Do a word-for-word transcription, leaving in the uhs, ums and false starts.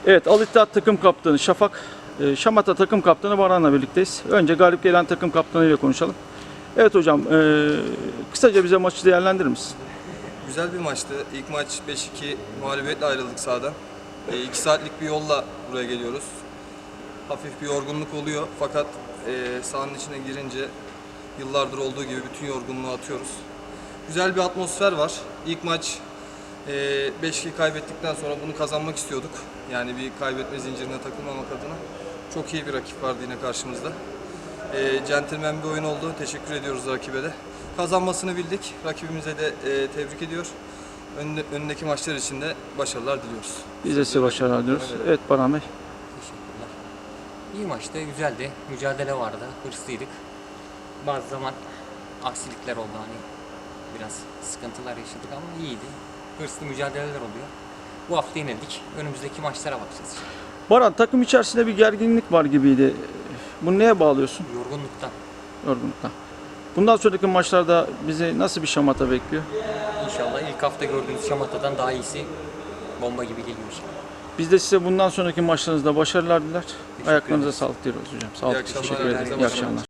Evet, Al İttihat takım kaptanı Şafak, e, Şamata takım kaptanı Baran'la birlikteyiz. Önce galip gelen takım kaptanı ile konuşalım. Evet hocam, e, kısaca bize maçı değerlendirir misin? Güzel bir maçtı. İlk maç beş iki mağlubiyetle ayrıldık sahadan. E, iki saatlik bir yolla buraya geliyoruz. Hafif bir yorgunluk oluyor fakat e, sahanın içine girince yıllardır olduğu gibi bütün yorgunluğu atıyoruz. Güzel bir atmosfer var. İlk maç e, beş iki kaybettikten sonra bunu kazanmak istiyorduk. Yani bir kaybetme zincirine takılmamak adına. Çok iyi bir rakip vardı yine karşımızda. E, centilmen bir oyun oldu. Teşekkür ediyoruz rakibe de. Kazanmasını bildik. Rakibimize de e, tebrik ediyor. Önde, önündeki maçlar için de başarılar diliyoruz. Biz de size başarılar diliyoruz. Evet Baran Bey. Teşekkürler. İyi maçtı, güzeldi. Mücadele vardı, hırslıydık. Bazı zaman aksilikler oldu, hani biraz sıkıntılar yaşadık ama iyiydi. Hırslı mücadeleler oluyor. Bu hafta yenildik. Önümüzdeki maçlara bakacağız. Baran, takım içerisinde bir gerginlik var gibiydi. Bunu neye bağlıyorsun? Yorgunluktan. Yorgunluktan. Bundan sonraki maçlarda bizi nasıl bir şamata bekliyor? İnşallah ilk hafta gördüğümüz Şamata'dan daha iyisi bomba gibi geliyor inşallah. Biz de size bundan sonraki maçlarınızda başarılar diler. Ayaklarınıza ederiz. sağlık diyoruz hocam. Sağ olun. İyi akşamlar, Teşekkür ederim. herkese İyi başarılar. akşamlar.